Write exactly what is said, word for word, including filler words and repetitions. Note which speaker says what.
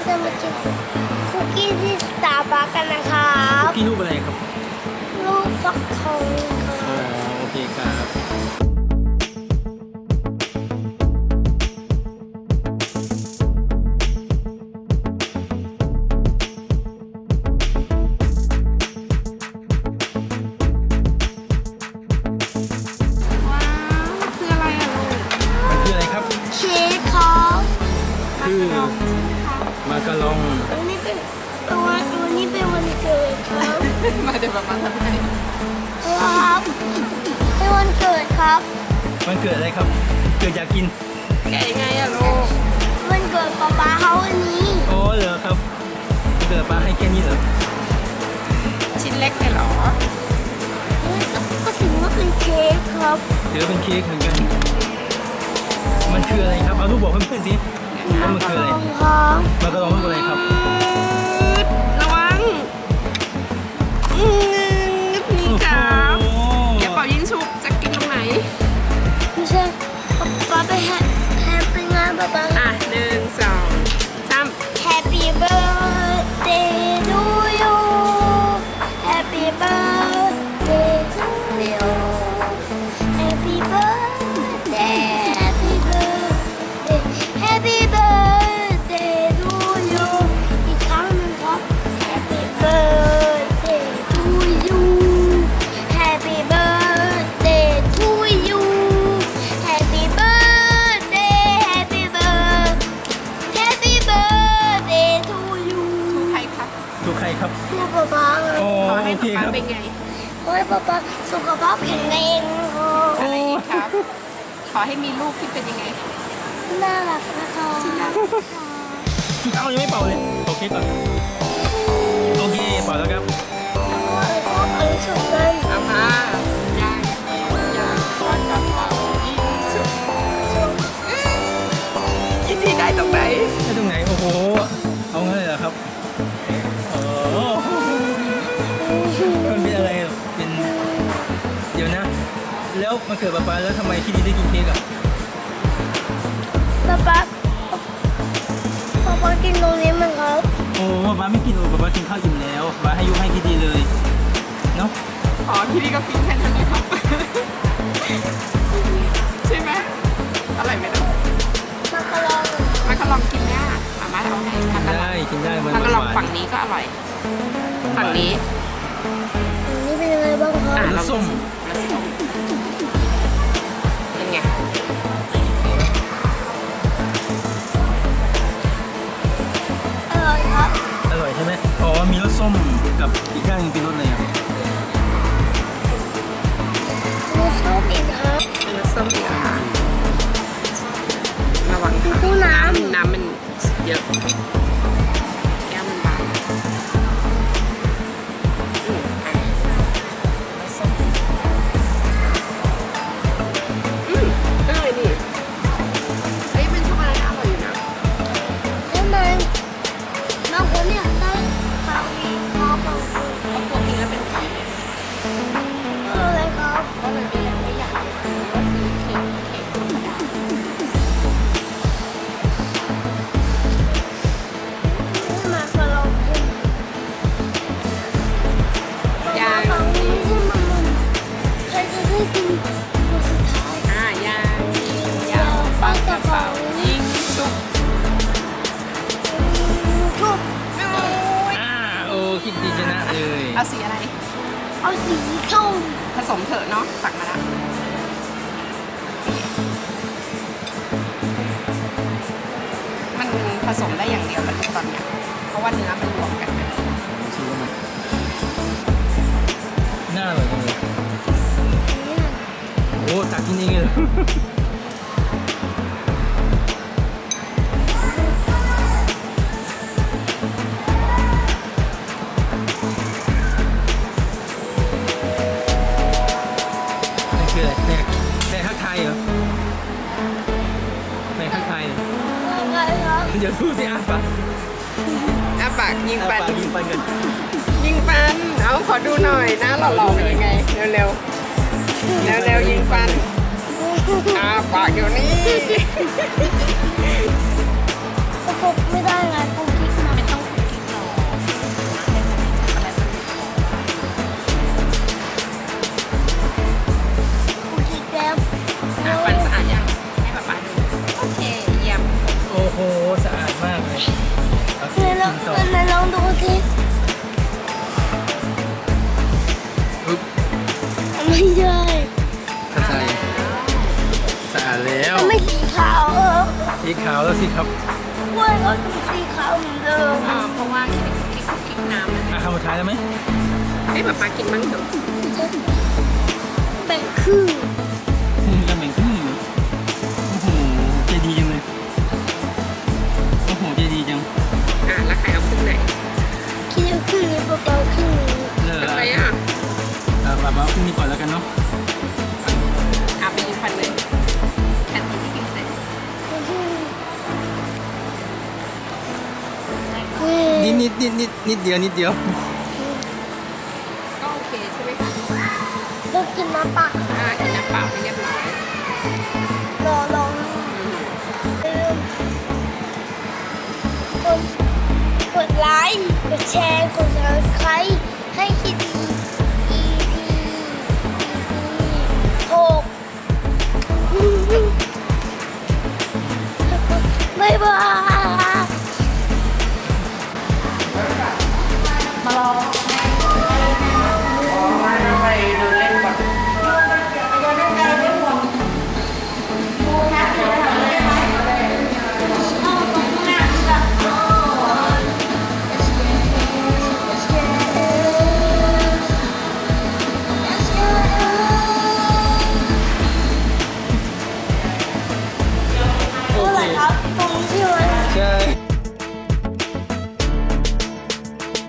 Speaker 1: จะมากินคุกกี้ที่สตาร์บัคกันนะครับ
Speaker 2: คุกกี้รูปอะไรครับ
Speaker 1: รูปฟักทองครั
Speaker 2: อ๋อบ โอเคครับ
Speaker 3: ว้าวคืออะไรอ่ะลูก
Speaker 2: มันคืออะไรครับ
Speaker 1: เค้กครับ
Speaker 2: คือมาการอง
Speaker 1: วันนี้เป็นวันวันนี้เป็นวันเกิดครับ
Speaker 3: มาเดี๋ยวแบบมาทำให้
Speaker 1: ครับเป็นวันเกิดครับ
Speaker 2: มันเกิดอะไรครับ เกิดอยากกิน
Speaker 3: แกะยังไงอ่ะลูก
Speaker 1: วันเกิดป๊าป๊าเขาวันนี้
Speaker 2: อ๋อเหรอครับเกิดป้าให้แค่นี้เหรอ
Speaker 3: ชิ้นเล็กไปเหรอ
Speaker 1: ก็ถือว่าเป็นเค้กครับ
Speaker 2: ถือเป็นเค้กเหมือนกัน มันคืออะไรครับ เอาลูกบอกเพื่อนๆสิว่ามันคืออะไร
Speaker 1: ครับ
Speaker 2: มาการองรูปอะไรครับ
Speaker 3: ระวังอืมนี่ครับ
Speaker 2: โอ้โห
Speaker 3: แกะเป่ายิงฉุบจะกินตรงไหน
Speaker 1: ไม่ใช่ป๊าป๊าไปแฮปแฮปปี้งานป๊าป๊า
Speaker 3: อ่ะหนึ่งสองสาม
Speaker 1: Happy birthday to you Happy birthday to you Happy birthday Happy birthday Happy birthday to you อีกครั้งหนึ่งครับ Happy birthday to you Happy birthday to you Happy birthday Happy birthday Happy birthday to you
Speaker 3: ใครครับ
Speaker 2: ถูกใครครับ
Speaker 1: ลูกป๊าป๊าเลย
Speaker 2: โอ้
Speaker 3: ขอให้
Speaker 2: โอเค
Speaker 3: ป๊า
Speaker 2: ครับ
Speaker 3: เป็นไง
Speaker 1: ขอให้ป๊าป๊าสุขภาพแข็งแรงครับ
Speaker 3: อะไรอีกครับ ขอให้มีลูกที่เป็นยังไง
Speaker 1: น่ารักนะคะ
Speaker 2: เอายังไม่เป่าเลยโอเคก่อนโอเคเป่าแล้วครับ
Speaker 1: ชอบอะไรสุดเลย
Speaker 3: เอามายังยังปากกับเป่ายิงฉุบยิงที่ได้ตรงไหน
Speaker 2: ได้ตรงไหน โอ้โห เอางั้นเลยเหรอครับโอ้โหมันเป็นอะไรอ่ะเป็น เดี๋ยวนะ แล้วมันเกิดป๊าป๊าแล้วทำไมที่ดีได้กินเค้กอ่ะ
Speaker 1: ป๊าป๊าป๊าป๊ากินตรงนี้มั้งครับ
Speaker 2: โอ้ป๊าป๊าไม่กินโอ้ป๊าป๊ากินข้าวอิ่มแล้วป๊าให้ยกให้ที่ดีเลย เนาะ
Speaker 3: อ๋อที่นี่ก็กินแค่นั้นเลยครับ ใช่ไหมอะไรไม่รู้
Speaker 1: มากระลอง
Speaker 3: มันก็ลองกินเนี่ยมาม่าเอาให้มันก็ลอง
Speaker 2: ได้กินได้มัน
Speaker 3: มันก็ลอง
Speaker 2: หวาน
Speaker 3: ฝั่งนี้ก็อร่อย ฝั่งนี้
Speaker 1: อันนี้เป็นยังไงบ้างครั
Speaker 3: อ่ะ
Speaker 1: บ
Speaker 2: รสส้ม
Speaker 3: รสส้มเป็นไง
Speaker 1: อร่อยครับ
Speaker 2: อร่อยใช่ไหมอ๋อมีรสส้มกับอีกอย่างหนึงเป็นรสอะไรอ่ะ
Speaker 1: รสชอบอีกครับ
Speaker 3: เป็นรสส้มดีกว่าระวังค่ะ
Speaker 1: ตู้น้
Speaker 3: น้ำมันเยอะ แก้วมันบางอืมอ่ะรสส้มอืมอร่อยนี่เฮ้ยเป็นช็อกโกแลตอร่อยอยู่นะ
Speaker 1: ำแล้วมันบางคนเนี่ยได้เป่าอีกคอบางคน
Speaker 3: เพราะปกติแล้วเป็นไข่เนี่ย
Speaker 1: อะไรครับ
Speaker 3: ก็เลยไม่ไม่อยากจะซื้อว่าซื้อเค้กเค้กธรรมดา
Speaker 1: มากระลองกิน
Speaker 3: ย่าง
Speaker 1: ฟังนี่ไม่ใช่มันมันใครจะได้กินตัวสุดท้าย
Speaker 3: อ่าย่างยิงยาวปังกระเป๋ายิงชุบ
Speaker 1: ชุบ
Speaker 2: อ่าโอ้คิดดีชนะเลย
Speaker 3: เอาสีอะไร
Speaker 1: เอาสีส้ม
Speaker 3: ผสมเถอะเนาะตักมาแล้วมันผสมได้อย่างเดียวมันตอนเนี้ยเพราะว่าเนื้อมันรวมกันนะ
Speaker 2: ชิมมันน่าอร่อยจังเลยโอ้ตักกินเองเลยเหรอนั่นคืออะไรแม่แม่ทักทายเหรอแม่ทักทายเหรอ
Speaker 1: อะไรครับ
Speaker 2: เดี๋ยวดูสิอ่ะปะ
Speaker 3: อ่ะปากยิง
Speaker 2: อ่ะ
Speaker 3: ปัน
Speaker 2: ปะยิงปันกัน
Speaker 3: ยิงปัน เอาขอดูหน่อยหน้าหล่อๆเป็นยังไง เร็วๆ เร็วๆยิงปันอ่าปากเดี๋ยวนี้
Speaker 1: ก็พบไม่ได้ไงกูคิด
Speaker 2: สีขาวแล้วสิครับ
Speaker 1: กล้วยก็เป็นสีขาวเหมือนเดิม
Speaker 3: อ่าเพราะว่าคิดคิดคิดน้ำมัน
Speaker 2: อ่ะคำสุดท้ายแล้วไหม
Speaker 3: ให้ป๊าป๊ากินบ้างเถอะ
Speaker 1: แบ่งครึ่ง
Speaker 2: อืมยังแบ่งครึ่งอยู่โอ้โหใจดีจังเลยโอ้โหใจดีจัง
Speaker 3: อ่ะแล้วใครเอาครึ่งไหน
Speaker 1: คิดเอาครึ่งนี้เบาๆครึ่งนี้
Speaker 2: เลิก
Speaker 3: ทำ
Speaker 2: แล้ว
Speaker 3: ไมอ่ะ
Speaker 2: อ่ะแบบว่าครึ่งนี้ก่อนแล้วกันเนาะ
Speaker 3: อ่ะไปยิงฟันเลยแค่ตีที่กินเสร็จ
Speaker 2: นิดนิดนิดนิดนิดเดียวนิดเดียว
Speaker 3: ก็โอเคใช่ไหมคะ
Speaker 1: ต้องกินน้ำเปล่า
Speaker 3: อ่ากินน้ำเปล่าให้เรียบร้อย
Speaker 1: รอลอง
Speaker 3: อืม
Speaker 1: ลืมกดกดไลค์กดแชร์กด ซับสไครบ์ให้คิดดี อี พี อี พี หกบ๊ายบาย